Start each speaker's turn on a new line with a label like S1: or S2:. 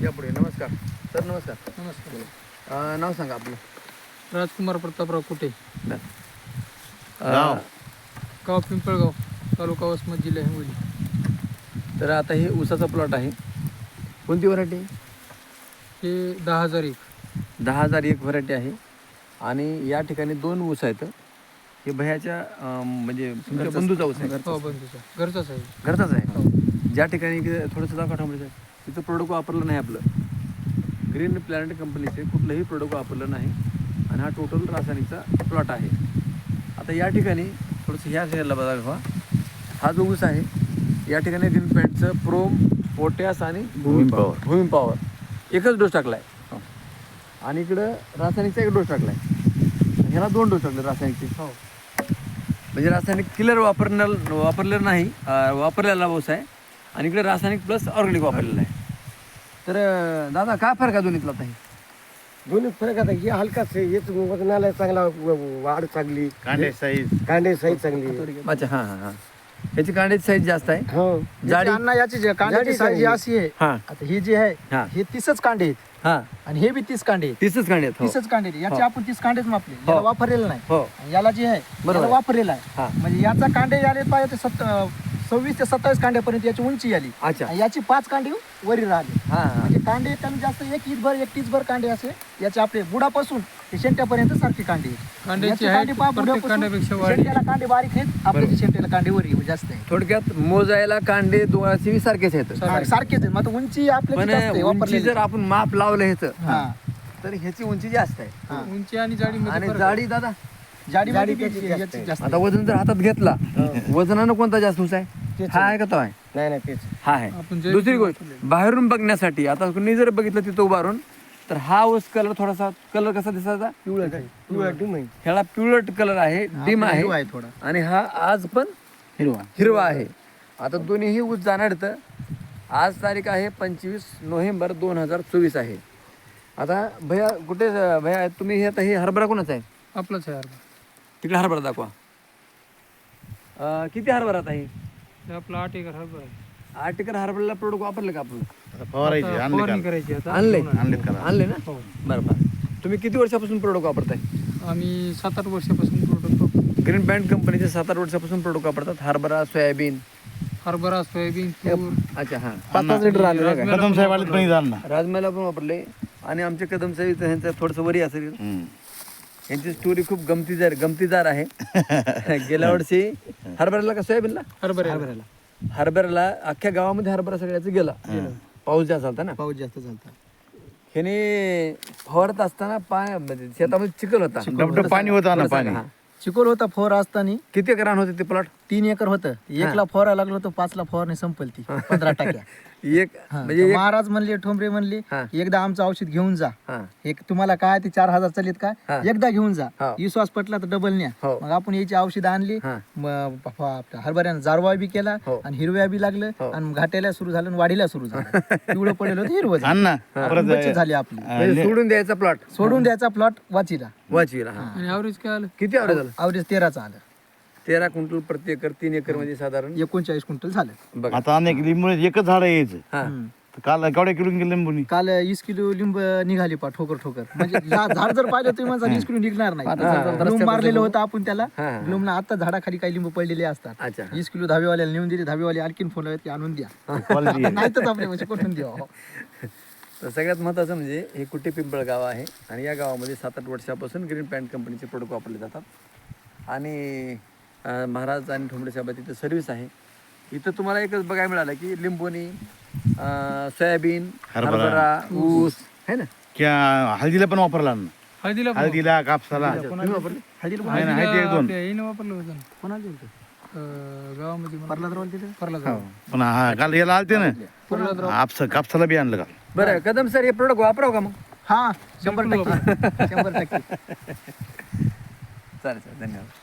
S1: या पुढे. नमस्कार सर. नमस्कार.
S2: नमस्कार.
S1: नाव सांगा आपलं.
S2: राजकुमार प्रतापराव कुटे,
S1: गाव.
S2: गाव पिंपळगाव, तालुका वसमत, जिल्हा हिंगोली.
S1: तर आता हे ऊसाचा प्लॉट आहे. कोणती व्हरायटी?
S2: हे 10,001.
S1: 10,001 व्हरायटी आहे. आणि या ठिकाणी 2 ऊस आहेत. हे भयाच्या म्हणजे तुमच्या बंधूचा ऊस आहे.
S2: हो, बंधूचा, घरचाच आहे.
S1: घरचाच आहे. ज्या ठिकाणी थोडंसं दाखवा थांबलं, तिथं प्रोडक्ट वापरलं नाही आपलं. ग्रीन प्लॅनेट कंपनीचे कुठलंही प्रोडक्ट वापरलं नाही. आणि हा टोटल रासायनिकचा प्लॉट आहे. आता या ठिकाणी थोडंसं ह्या साईडला बघा, हा जो ऊस आहे या ठिकाणी ग्रीन प्लॅनेटचं प्रोम, पोटॅश आणि भूमी पॉवर एकच डोस टाकला आहे. आणि इकडं रासायनिकचा एक डोस टाकला आहे. ह्याला 2 डोस टाकले रासायनिकचे.
S2: हो,
S1: म्हणजे रासायनिक किलर वापरलेलं नाही, वापरलेला ऊस आहे. आणि इकडे रासायनिक प्लस ऑर्गॅनिक वापरलेलं आहे. तर दादा काय फरक आहे दोन्हीतला? आता
S3: दोन्ही फरक आता हे हलकाच आहे, हेच वजनाला चांगला, वाढ चांगली, कांडे साईज चांगली.
S1: अच्छा. हां हां हां. याची कांड्याची साईज जास्त आहे.
S3: हो,
S1: जाडी.
S2: अण्णा याची कांड्याची साईज अशी आहे.
S1: हां
S2: आता ही जी आहे
S1: हां
S2: हे 30च कांडे आहेत.
S1: हां.
S2: आणि हे बी 30 कांडे आहेत.
S1: 30च कांडे आहेत.
S2: 30च कांडे आहेत. याचे
S1: हो.
S2: आपण 30 कांडेच मापले, याला वापरलेलं नाही.
S1: हो
S2: आणि याला जे आहे
S1: बरोबर
S2: याला
S1: आहे.
S2: वापरलेलं आहे.
S1: हां.
S2: म्हणजे याचा कांडे आले पाहिजे 26 ते 27 कांड्यापर्यंत याची उंची आली.
S1: अच्छा.
S2: आणि याची 5 कांडे वरी राहिले.
S1: हां हां.
S2: म्हणजे कांडे कमी जास्त एक ईदभर कांडे असे याचे आपले बुडापासून ते शेंट्यापर्यंत सारखे कांडे आहेत. याचे कांडे पहा, बुडापासून शेंट्याला कांडे बारीक आहेत, आपल्या शेंट्याला कांडे वरी जास्त आहे.
S1: थोडक्यात मोजायला कांडे दोघांचे सारखेच आहेत.
S2: सारखेच आहेत. मग आता उंची आपल्या
S1: पण
S2: जास्त आहे,
S1: उंची
S2: वापरलेली.
S1: जर आपण माप लावलं ह्याचं
S2: हा.
S1: तर ह्याची उंची जास्त आहे.
S2: हा.
S4: उंची आणि जाडी
S1: आणि जाडी दादा,
S2: जाडी
S3: जाडी
S2: त्याची
S3: जास्त
S2: याची
S3: आहे.
S2: जास्त
S1: आता वजन जर हातात घेतला, वजनानं कोणता जास्त ऊस आहे?
S3: तेच
S1: हा आहे का तो आहे?
S3: नाही तेच
S1: हा आहे.
S4: आपण जे
S1: दुसरी गोष्ट, बाहेरून बघण्यासाठी आता कुणी जर बघितलं तिथं उभारून, तर हा ऊस कलर थोडासा, कलर कसा दिसायचा?
S3: पिवळा डिम आहे.
S1: ह्याला पिवळट कलर आहे, डिम आहे.
S2: आहे थोडा.
S1: आणि हा आज पण हिरवा आहे. आता दोन्हीही ऊस जाणार तर आज तारीख आहे 25 नोव्हेंबर 2024 आहे. आता भैया कुठे भैया तुम्ही हे आता हे हरभरा कोणाचा आहे?
S4: आपलंच आहे अर्धा.
S1: तिकडे हरभरा दाखवा. किती हरभरा आता हे?
S4: हे आपलं 8 एकर हरभरा आहे.
S1: 8 एकर हरभऱ्याला प्रोडक्ट वापरले का आपण?
S4: आता फवारणी करायची आता.
S1: आणले ना?
S4: हो.
S1: बरोबर. तुम्ही किती वर्षापासून प्रोडक्ट वापरताय?
S4: आम्ही 7-8 वर्षापासून प्रोडक्ट वापरतो.
S1: ग्रीन पॅन्ट कंपनीचे 7-8 वर्षापासून प्रोडक्ट वापरतात. हरभरा, सोयाबीन.
S4: हरभरा, सोयाबीन, तूर.
S1: अच्छा. हां, 5-5 लिटर आले का?
S4: कदम साहेब आले
S1: राजमाला पण वापरले. आणि आमचे कदम साहेब ह्यांचं थोडंसं वरी असेल. यांची स्टोरी खूप गमतीदार आहे. गेल्या वर्षी हरभऱ्याला का सोयाबीनला? हरभऱ्याला अख्ख्या गावामध्ये हरभरा सगळ्याच गेला. पाऊस जास्त झाला ना.
S2: पाऊस जास्त झाला.
S1: ह्याने फवारत असताना म्हणजे शेतामध्ये चिखल होता,
S3: पाणी होता ना, पाणी.
S1: हां.
S2: चिकोल होता फवारा असताना.
S1: किती एकर रान होते ते प्लॉट?
S2: 3 एकर होतं. 1ला फवारा लागलो होतो, 5ला फवारणी संपल ती 15 टक्क्या.
S1: एक म्हणजे एक.
S2: महाराज म्हणले, ठोंबरे म्हणले,
S1: हा.
S2: एकदा आमचं औषध घेऊन जा.
S1: हां.
S2: एक तुम्हाला काय ते 4,000 चालेत
S1: हा.
S2: काय, एकदा घेऊन जा.
S1: हो.
S2: विश्वास पटला तर डबल न्या.
S1: हो.
S2: मग आपण याची औषध आणली.
S1: हा.
S2: आपल्या हरभऱ्यानं जारवा बी केला
S1: हो.
S2: आणि हिरव्या बी लागलं.
S1: हो.
S2: आणि घाट्याला सुरू झालं आणि वाढीला सुरू झालं. पिवळं पडेल होतं, हिरवं झालं.
S3: अण्णा
S2: आपण बचत झाली आपली.
S1: म्हणजे सोडून द्यायचा प्लॉट
S2: सोडून द्यायचा प्लॉट वाचीला.
S1: वाचवीला. हां.
S4: आणि ॲव्हरेज काय आलं?
S1: किती आवड झालं?
S2: अवरेज 13चं आलं.
S1: 13 क्विंटल प्रति एकर. 3 एकर म्हणजे साधारण
S2: 39 क्विंटल झालं.
S1: बघा.
S3: आता अनेक लिंबू एकच झाड यायचं.
S1: हा.
S3: काल केवढ्या किलो गेले लिंबूनी?
S2: काल 20 किलो लिंब निघाली पा ठोकर. म्हणजे झाड जर पाहिलं तुम्ही माझा 20 किलो निघणार नाही. ग्लूम मारलेलं होतं आपण त्याला.
S1: हा.
S2: ग्लूमला आता झाडाखाली काही लिंबू पडलेले असतात.
S1: अच्छा.
S2: 20 किलो धाबेवाल्याला नेऊन दिले. धाबेवाले आणखीन फोन लावले, आणून द्या. नाही तर आपल्या म्हणजे कुठून द्यावं.
S1: तर सगळ्यात महत्त्वाचं म्हणजे हे कुटे पिंपळ गाव आहे. आणि या गावामध्ये 7-8 वर्षापासून ग्रीन पॅन्ट कंपनीचे प्रोडक्ट वापरले जातात. आणि महाराज आणि ठोंबरे साहेब तिथं सर्व्हिस आहे. इथं तुम्हाला एकच बघायला मिळालं की लिंबोनी, सोयाबीन, हरभरा, ऊस आहे ना.
S3: क्या हळदीला पण वापरला ना?
S4: हळदीला पण
S3: हळदीला, कापसाला.
S1: तुम्ही वापरले?
S2: हळदीला
S3: नाही, नाही, हळदी एक दोन.
S4: आपल्या याने वापरलं होतं ना.
S2: कोणाला दिलं?
S4: गावामध्ये
S2: परलादराव तिथे.
S4: परला
S3: पण हा काल याला आलते ना, कापसाला बी आणलं का?
S1: बरं कदम सर, हे प्रोडक्ट वापराव का मग?
S2: हा, 100%. 100%.
S1: चालेल, धन्यवाद.